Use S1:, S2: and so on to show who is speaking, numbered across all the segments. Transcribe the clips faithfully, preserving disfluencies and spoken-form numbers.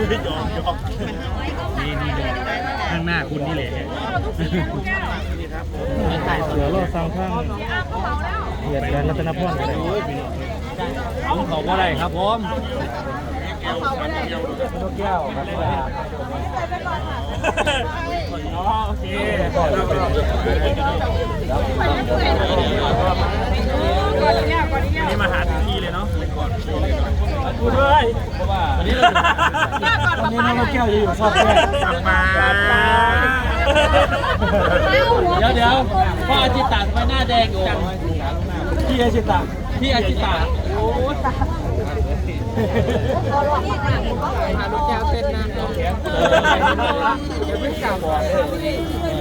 S1: นี่นี่ข้างหน้าคุณนี่แหละเหลือรถสองข้างเหยียดแดนรัตนพรกันเลยผมขอว่าอะไรครับผมนกแก้วครับโอเคนี่มาหาถึงที่เลยเนาะพูดเลยวันนี้วันนี้น้องแก้วจะอยู่ชอบแก้วกลับมาเดี๋ยวเดี๋ยวพ่ออาจิตาทำไมหน้าแดงจังพี่อาจิตาพี่อาจิตาโอ้ตาหาลูกแก้วเต้นนะจะไม่กล้าบอกเลย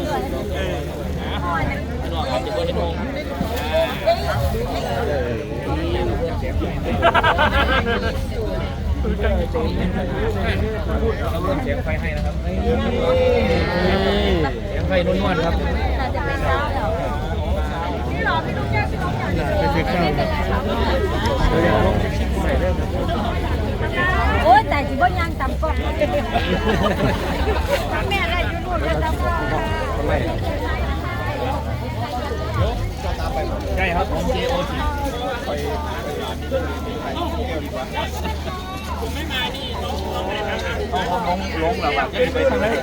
S1: หลอกจะเป็นงงเราเริ่มเสียงไฟให้นะครับเสียงไฟนุ่นๆครับนี่หรอพี่ลูกแก้วพี่ลูกแก้วเป็นเสียงข้าว
S2: โอ้ยแต่จีบยังตำกบแม่อะไรอยู่นู่นแล้วตำกบ
S1: ใช่ครับผมเจโอจิผมไม่มานี่ต้องต้องลงลงแล้วแบบไปทางไหน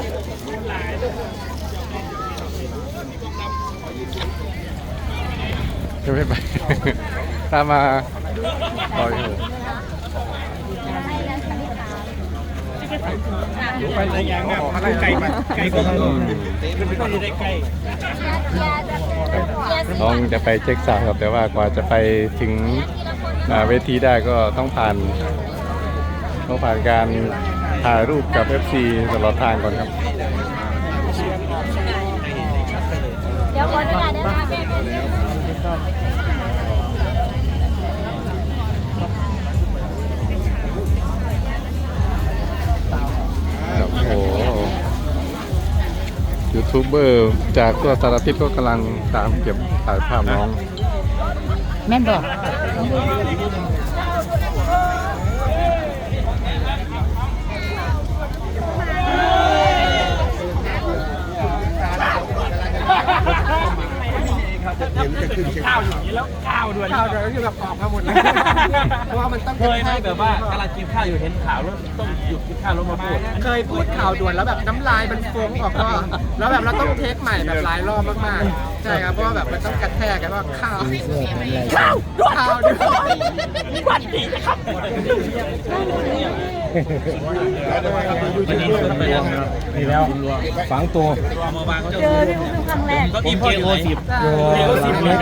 S3: จะไม่ไปตามมาต่อย
S1: หูไปไหนยังอ่ะมาไกลมาไกลกว่าเราขึ้นไปก็ได้ไกล
S3: น้องจะไปเช็คสาวครับแต่ว่ากว่าจะไปถึงเวทีได้ก็ต้องผ่านต้องผ่านการถ่ายรูปกับ เอฟ ซี ตลอดทางก่อนครับ
S2: เดี๋ยวคนจะได้มา
S3: โอ้โหยูทูบเบอร์จากทั่วสารทิศก็กำลังตามเก็บถ่ายภาพน้อง
S2: แม่นบอก
S1: ข้าวอยู่นี้แล้วข้าวด้วยข้าวด้วยคือแบบออกมาหมดเลยเพราะว่ามันต้องเคยไหมแบบว่ากำลังกินข้าวอยู่เห็นข่าวแล้วต้องหยุดกินข้าวแล้วมาพูด
S4: เคยพูดข่าวด่วนแล้วแบบน้ำลายมันฟงออกก็แล้วแบบเราต้องเทคใหม่แบบหลายรอบมากๆใช่ครับเพราะว่าแบบมันต้องกระแทกกันว่าข้าวข้าวข้าวด้วย
S1: วันดีนะครับนี่แล้วฝังตัว
S2: เจอที่ครั้งแรก
S1: ก็อีพีโอสิบเอโอสิบเลย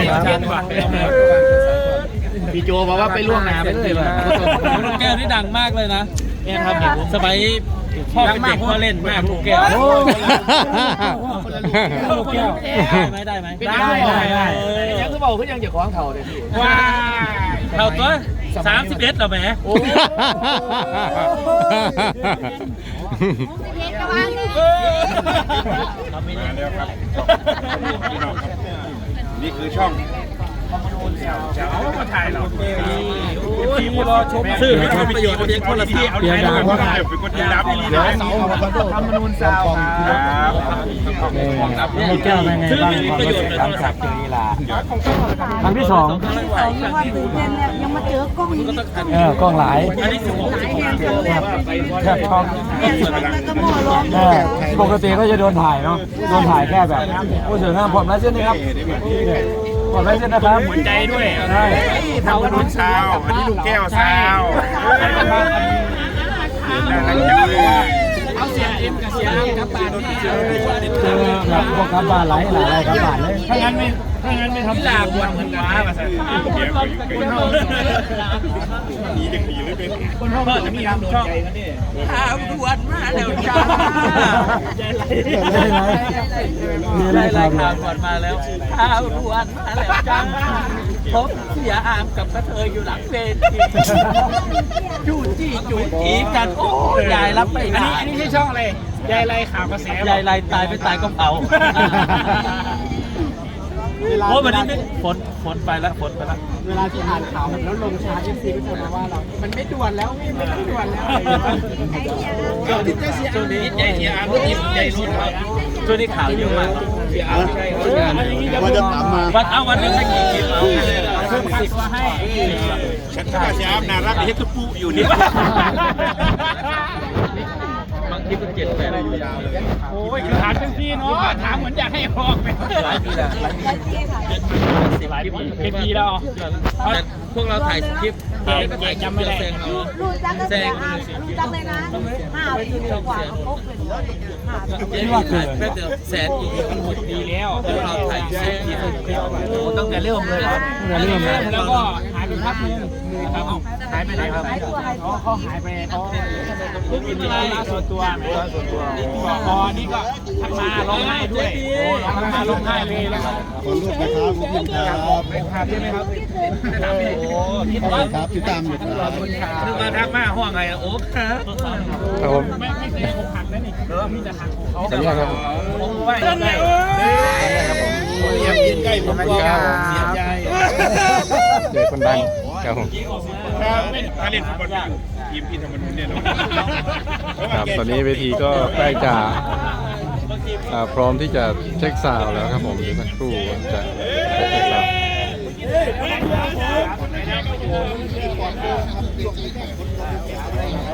S1: พี่โจบอกว่าไปล่วงน้ำไปเลยลูกแก้วนี่ดังมากเลยนะเนี่ยครับสมัยพ่อเป็นเด็กพ่อเล่นมากลูกแก้วลูกแก้วได้ไหมได้ไหมได้ได้ได้ยังคือบอกคือยังจะคล้องเข่าเลยพี่ว้าเข่าตัวสามสิบเอ็ดเหรอแหมโอ้
S5: นี่คือช่อง
S1: เจ้ามาถ่ายเราทีมรอชมสื่อไม่ทำประโยชน์เพียงคนละที่เอาเดี๋ยวดังว่าเป็นคนที่รับเดี๋ยวเสาทำมนูนซาวครับนี่แก้วเป็นไงบ้างความรู้สึกหลังจากเจออีลาครั้งที่สอง
S2: ครั้งที่สองยังว่าตื่นเต้นเนี่ยยังมาเจอกล้องนี้
S1: เออกล้องหลายอันนี้สิบหกแค่ช่องปกติก็จะโดนถ่ายเนาะโดนถ่ายแค่แบบผู้สื่อข่าวผมแล้วเช่นนี้ครับขอบคุณนะครับหัวใจด้วยใช่
S5: ทำขนมซาวอันนี้ลูกแก้วซาว
S1: เอาเสียเอ็มกับเสียอ้ำกับบานนี่เจอแบบพวกกับบานไหลหลายกับบานเลยถ้างั้นไม่ถ้างั้นไม่ทำลาบวนเหมือนว้ามาสิคนห้อง
S5: ดีเด็กดีเลยเป็น
S1: คนห้องจะมีช่องข้าวดวนมาแล้วจ้ามีอะไรอะไรข่าวดวนมาแล้วข้าวดวนมาแล้วจ้าพบเสียอามกับกระเทยอยู่หลังเวทีจู้จี้จู้จีกันโอ้ยายรับไม่ได้อันนี้ใช่ช่องอะไรยายไรข่าวกระแสยายไรตายไม่ตายก็เผา
S4: ลา
S1: โอ้วันนี้ไม่ฝนฝนไปแล้วฝนไปแล้ว
S4: เวลาที่อ่านข่าวแบบแล้วลงช้าเอฟซีก็จะมาว่าเรา มันไม่ด่วนแล้วพี่ไม่ต้องด่วนแล้ว
S1: ช่วงนี้ช่วงนี้ใหญ่เทียร์รุ่นนี้ใหญ่รุ่นช่วงนี้ข่าวเยอะมากเทียร์ใช่ว่าจะตามมาวันเอาวันนึงให้กี่คลิปเอาเพิ่มสิบมาให้
S5: ฉันก็จะอาบน้ำรักเฮ็ดตุ๊ปูอยู่นี่
S1: บางทีก็เจ็ดแปดอยู่ยาวเลยโอ้ยคือถามจังซี่เนาะถามเหมือนอยากให้ออกไปหลายปีแล้วหลายปีสิบหลายปีเป็นปีแล้วแต่พวกเราถ่ายคลิปก็ถ่ายจำไม่ได้
S2: รู้จักก็เสียอารู้จักเลยนะห้าปีกว่าเขาคบเป็นห้าปี
S1: เจ๊ว่าถ่ายแค่เดือนแสนอีกหมดปีแล้วพวกเราถ่ายแสนทีตั้งแต่เริ่มเลยครับเริ่มแล้วก็หายไปพักนึงครับหายไปไหนครับเขาหายไปเขาเพิ่งกินอะไรส่วนตัวไหมส่วนตัวอ๋อนี่ก็ทำมาร้องไห้ด้วยทำมาร้องไห้เลยแล้วก็ขอรูปนะครับขอบคุณครับเป็นภาพใช่ไหมครับโอ้คิดว่าครับติดตามอยู่ครับคือมาทักมาห้องไงโอ้ครับ
S3: ครับผม
S1: ไม่ไม่เคยผมหักนะนี่เออมีแต่หักเขา
S3: สัญญาครับ
S1: ผมไหวเลยเรียบยินใกล้ผมก็เสียใจ
S3: เจอคนดังครับผม
S5: ถ้าเล่นฟุตบอลไม่อยู่ทีมพี่ธรรมนุนเนี่ยเนาะ
S3: ครับตอนนี้เวทีก็ใกล้จะอ่าพร้อมที่จะเช็คซาวด์แล้วครับผมเดี๋ยวสักครู่จะจะเช็คซาวด์